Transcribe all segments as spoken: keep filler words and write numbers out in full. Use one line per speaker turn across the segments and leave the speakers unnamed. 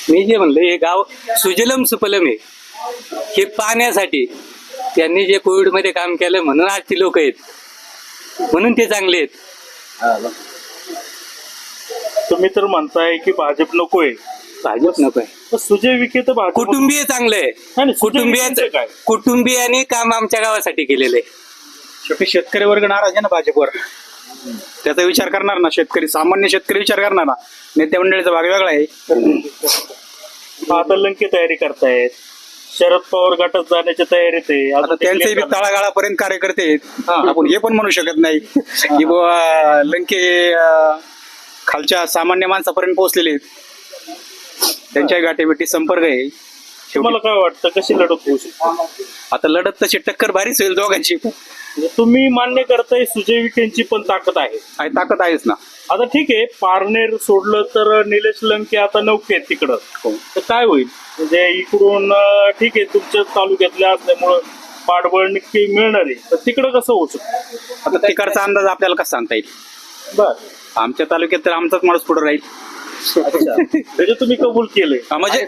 मी जे म्हणलं हे गाव सुजलम सुफलम आहे, हे पाहण्यासाठी त्यांनी जे कोविड मध्ये काम केलं म्हणून आज ती लोक आहेत, म्हणून ते चांगले आहेत.
तुम्ही तर म्हणताय की भाजप नकोय,
भाजप नको आहे.
तर सुजय विखे तर भाजप
कुटुंबीय चांगलं आहे.
नाही, सुजय
कुटुंबियाचं
विखेंचं काय?
कुटुंबियांनी काम आमच्या गावासाठी केलेलं आहे.
शेवटी शेतकरी वर्ग नाराज आहे ना भाजपवर. त्याचा विचार करणार ना शेतकरी, सामान्य शेतकरी विचार करणार ना. नेत्या मंडळीचा भाग वेगळा आहे.
आता लंके तयारी करतायत, शरद पवार गटात जाण्याची तयारीत आहे.
आता
अजून ते
त्यांचे
clear
बी
करणार.
तळागाळापर्यंत कार्यकर्ते आहेत. आपण हे पण म्हणू शकत नाही की बुवा लंके अं, खालच्या सामान्य माणसापर्यंत पोहोचलेले आहेत. त्यांच्या गाठीभेटी संपर्क आहे.
तुम्हाला काय वाटतं कशी लढत होऊ शकते?
आता लढत तशी टक्कर भारीच होईल दोघांची.
म्हणजे तुम्ही मान्य करताय सुजय विखेंची पण ताकद आहे.
आणि ताकद आहेच ना.
आता ठीक आहे, पारनेर सोडलं तर निलेश लंके आता नौके आहेत तिकडं, तर काय होईल? म्हणजे इकडून अं, ठीक आहे तुमच्या तालुक्यातल्या असल्यामुळं पाठबळ नक्की मिळणार आहे, तर तिकडं कसं होऊ शकतं?
आता तिकडचा अंदाज आपल्याला कसा सांगता येईल?
बर,
आमच्या तालुक्यात तर आमचाच माणूस पुढे राहील.
अच्छा, त्याचे तुम्ही कबूल केलंय.
हा, म्हणजे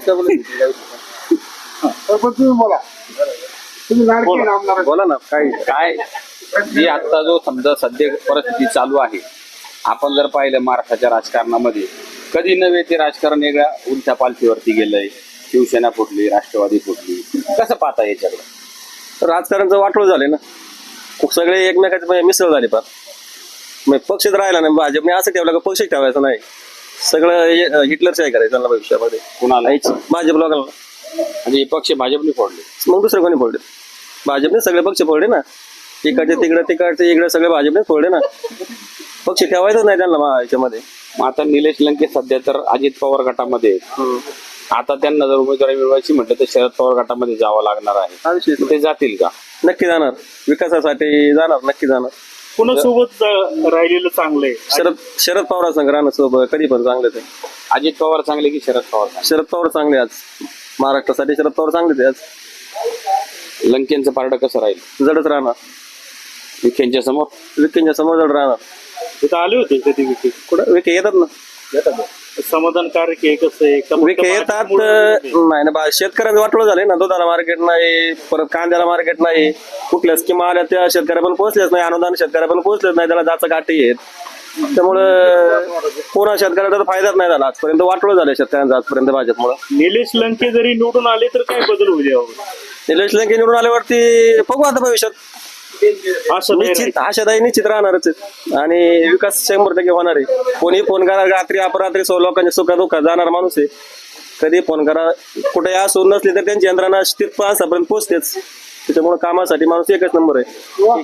बोला ना. काय काय जी आता जो समजा सध्या परिस्थिती चालू आहे, आपण जर पाहिलं महाराष्ट्राच्या राजकारणामध्ये कधी नव्हे ते राजकारण वेगळ्या उलट्या पालखीवरती गेलंय. शिवसेना फुटली, राष्ट्रवादी फुटली. कसं पाहता याच्याकडे?
राजकारणचं वाटोळ झाले ना, सगळे एकमेकाचे मिसळ झाले पार. मग पक्षच राहिला नाही. भाजपने असं ठेवलं का पक्षच ठेवायचा नाही, सगळं हिटलरचं आहे करायचं त्यांना भविष्यामध्ये.
कुणाला?
भाजप लोकांना.
म्हणजे हे पक्ष भाजपने फोडले,
मग दुसरं कोणी फोडले? भाजपने सगळे पक्ष फोडले ना. तिकडचे तिकडे तिकडचे इकडे सगळे भाजपने फोडले ना. पक्ष ठेवायचंच नाही त्यांना महा- याच्यामध्ये.
मग आता निलेश लंके सध्या तर अजित पवार गटामध्ये आहेत. आता त्यांना जर उमेदवारी मिळवायची म्हटलं तर शरद पवार गटामध्ये जावं लागणार आहे.
हा विषय
मग ते जातील का?
नक्की जाणार, विकासासाठी जाणार, नक्की जाणार.
कोणासोबत जा- राहिलेलं चांगलंय?
शरद शरद पवार संघ राहणार सोबत कधी पण चांगले ते.
अजित पवार चांगले की शरद पवार चांगले?
शरद पवार चांगले आज महाराष्ट्रासाठी. शरद पवार चांगले ते आज.
लंकेंचं पारडं कसं राहील?
जडच राहणार.
विखेंच्या समोर?
विखेंच्या समोर जड राहणार.
तिथं आले होते कधी विखे?
कुठं विखे येतात ना.
समाधानकारक आहे कसं आहे? का फक्त
विखे येतात.
भाजपमुळे होते?
नाही ना, बा- शेतकऱ्यांचं वाटलं झाले ना. दुधाला मार्केट नाही, परत कांद्याला मार्केट नाही. कुठल्या स्कीमा आल्या त्या शेतकऱ्या पण पोहोचल्याच नाही. अनुदान शेतकऱ्या पण पोहोचलेच नाही. त्याला जाचं गाठी आहेत. त्यामुळं कोणा शेतकऱ्याचा तर फायदाच नाही झाला आजपर्यंत. वाटलं झालं शेतकऱ्यांचं आजपर्यंत भाजपमुळे.
निलेश लंके जरी निवडून आले तर काय बदल होईल यावर?
निलेश लंके निवडून आल्यावरती बघू आता भविष्यात.
असं नाही
निश्चित आशादायी निश्चित राहणारच आहे. आणि विकास शंभर टक्के होणार आहे. कोणी फोन करा रात्री अपरात्री सो लोकांच्या सुखादुखात जाणार माणूस आहे. कधी फोन करा, कुठे असो नसली तर त्यांची यंत्रणा तिथं आसापर्यंत पोहोचतेच. त्याच्यामुळे कामासाठी माणूस एकच नंबर आहे.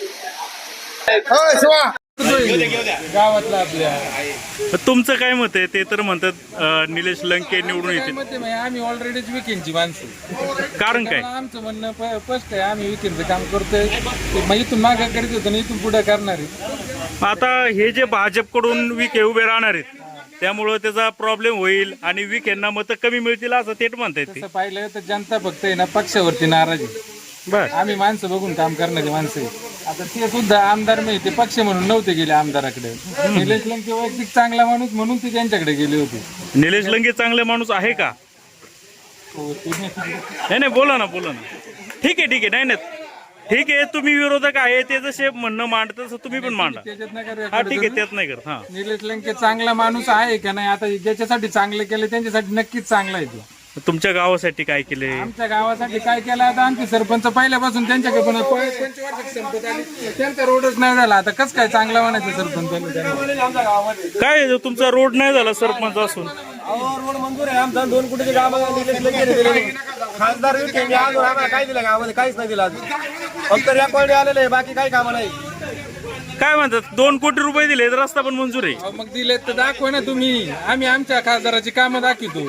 गावातला आपल्या
तुमचं काय मत आहे? ते तर म्हणतात अं, निलेश लंके निवडून येतील.
मते म्हणजे आम्ही ऑलरेडीच विकेंडची माणसं.
कारण काय?
आमचं म्हणणं प- स्पष्ट आहे, आम्ही विकेंडचं काम करतोय. ते मग इथून मागे करीत होतो ना, इथून पुढे करणार आहे.
आता हे जे भाजपकडून विखे उभे राहणार आहेत त्यामुळं त्याचा प्रॉब्लेम होईल आणि विखेंना मतं कमी मिळतील असं थेट म्हणतायत ते.
तसं पाहिलं तर जनता फक्त आहे ना पक्षावरती नाराज आहे.
बर,
आम्ही माणसं बघून काम करणारी माणसं आहे. आता ते सुद्धा आमदार नाही, ते पक्ष म्हणून नव्हते गेले आमदाराकडे. निलेश लंके वैयक्तिक चांगला माणूस म्हणून ते त्यांच्याकडे गेले होते.
निलेश लंके चांगले माणूस आहे का?
हो, ते-
नाही नाही, बोला ना बोला ना. ठीक आहे ठीक आहे, नाही नाही ठीक आहे. तुम्ही विरोधक आहे ते जसे म्हणणं मांडत तसं तुम्ही पण मांडा.
त्याच्यात नका
हा ठीक आहे, त्यात नाही करत. हा,
निलेश लंके चांगला माणूस आहे का नाही? आता ज्याच्यासाठी चांगले केले त्यांच्यासाठी नक्कीच चांगला आहे तो.
तुमच्या गावासाठी काय केले?
आमच्या गावासाठी काय केलं? आता आमचे सरपंच पहिल्यापासून त्यांच्याकडे पण पंचवार्षिक संपत आली, त्यांचा रोडच नाही झाला. आता कसं काय चांगला म्हणायचं सरपंच?
काय तुमचा रोड नाही झाला सरपंच असून?
रोड मंजूर आहे आमचा. दोन कोटीचे काम निलेश लंके दिले. खासदार विखेंनी अजून आम्हाला काय दिलं गावामध्ये? काहीच नाही दिलं अजून. फक्त रेकॉर्ड आलेलं आहे, बाकी काही कामं नाही.
काय म्हणतात? दोन कोटी रुपये दिले, रस्ता पण मंजूर आहे.
अहो, मग दिले तर दाखवा ना तुम्ही. आम्ही आमच्या खासदाराची कामं दाखवतो.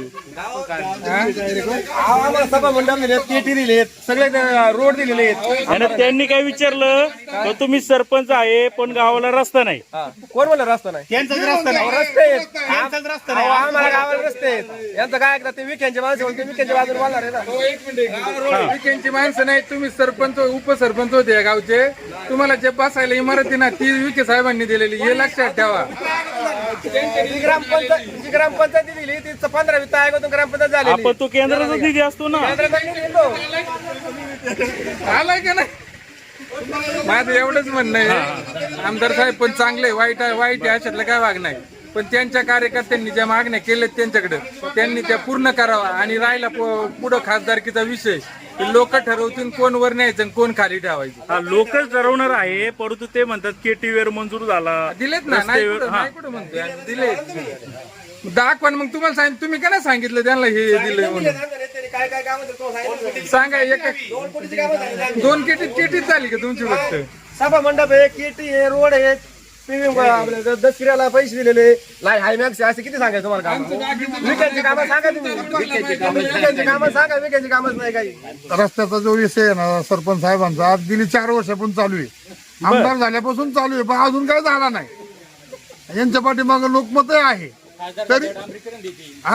अहो, आम्हाला सभा मंडप दिलेत, पेटी दिलेत, सगळे रोड दिलेले आहेत.
आणि त्यांनी काय विचारलं तर तुम्ही सरपंच आहे पण गावाला रस्ता नाही.
कोण म्हणलं रस्ता नाही? त्यांचाच रस्ता नाही. रस्ते आहेत. अहो, आम्हाला गावाला रस्ते आहेत. यांचं काय ऐकतात? ते विखेंचे माणसं म्हणते विखेंच्या बाजूने बोलणार आहे ना.
हो, एक मिनिट. विकेंडची माणसं नाही, तुम्ही सरपंच उपसरपंच होते या गावचे. तुम्हाला जे बसायला इमारती ना ती विखे साहेबांनी दिलेली हे लक्षात ठेवा.
जी ग्रामपंचायत जी ग्रामपंचायती दिली ती पंधरा वित्त आयोगातून ग्रामपंचायत झाली.
आपण तो केंद्राचा निधी असतो ना.
आलाय का नाही. माझं एवढंच म्हणणं आहे आमदार साहेब पण चांगले, वाईट आहे वाईट आहे अशातलं काय वाग नाही, पण त्यांच्या कार्यकर्त्यांनी ज्या मागण्या केल्यात त्यांच्याकडे त्यांनी त्या पूर्ण करावा. आणि राहिला पुढं खासदारकीचा विषय लोक ठरवतील कोण वर न्यायचं आणि कोण खाली ठेवायचं.
हा लोकच ठरवणार आहे, परंतु ते म्हणतात केटी वेअर मंजूर झाला.
दिलेत ना, नाही कुठं नाही कुठं म्हणतोय दिलेत. दाखवा मग तुम्हाला सांग, तुम्ही का नाही सांगितलं त्यांना हे दिलंय म्हणून.
काय काय काम सांगा.
सांगा एक दोन केटी केटीच झाली का तुमची फक्त.
सभा मंडप आहे, केटी आहे, रोड आहे, आपल्या दसऱ्याला पैसे दिलेले नाही हायमॅक्स असे किती सांगायचं तुम्हाला काम. विकायची कामं सांगा तुम्ही. विकायची कामं सांगा, विकायची कामच नाही काही.
रस्त्याचा जो विषय आहे ना सरपंच साहेबांचा आज गेली चार वर्षापासून चालू आहे, आमदार झाल्यापासून चालू आहे, पण अजून काय झाला नाही. यांच्या पाठीमाग लोकमत आहे तरी हा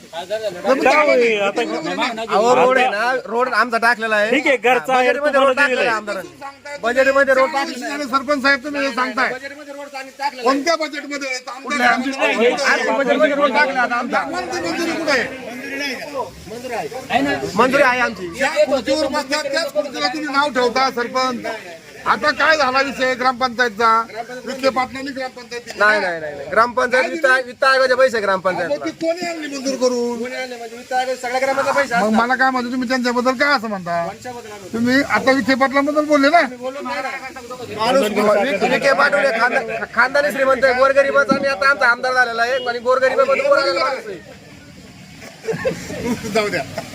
अहो रोड आहे ना, रोड आमचा टाकलेला आहे.
ठीक आहे, घरचा आहे,
बजेटमध्ये रोड टाकलेला आहे आमदारांनी. बजेटमध्ये रोड टाकलेला आहे.
सरपंच साहेब तुम्ही हे सांगताय
बजेटमध्ये रोड टाकलेला
कोणत्या बजेटमध्ये आहे? आमदार-
आहे. बजेटमध्ये रोड टाकला आता आमचा.
कोणती मंजुरी कुठे आहे?
मंजुरी आहे आमची.
ज्या खुर्चीवर बसतात त्याच खुर्चीला तुम्ही नाव ठेवता सरपंच. आता काय झाला विषय ग्रामपंचायतचा? विखे पाटलांनी ग्रामपंचायत दिली.
नाही नाही नाही नाही. ग्रामपंचायत वित्त वित्त आयोगाचे पैसे ग्रामपंचायत.
मग ती कोणी आणली मंजूर करून?
वित्त आयोग सगळ्या ग्रामाचा पैसा.
मग मला काय म्हणतो तुम्ही त्यांच्याबद्दल काय असं म्हणता? तुम्ही आता विखे पाटलांबद्दल बोलले ना.
विखे पाठवले खानदा- खानदानी श्रीमंत आहे, गोरगरीबाचा आणि आता आमचा आमदार झालेला आहे आणि गोरगरीबाबद्दल बोलायला लागला.
जाऊ द्या.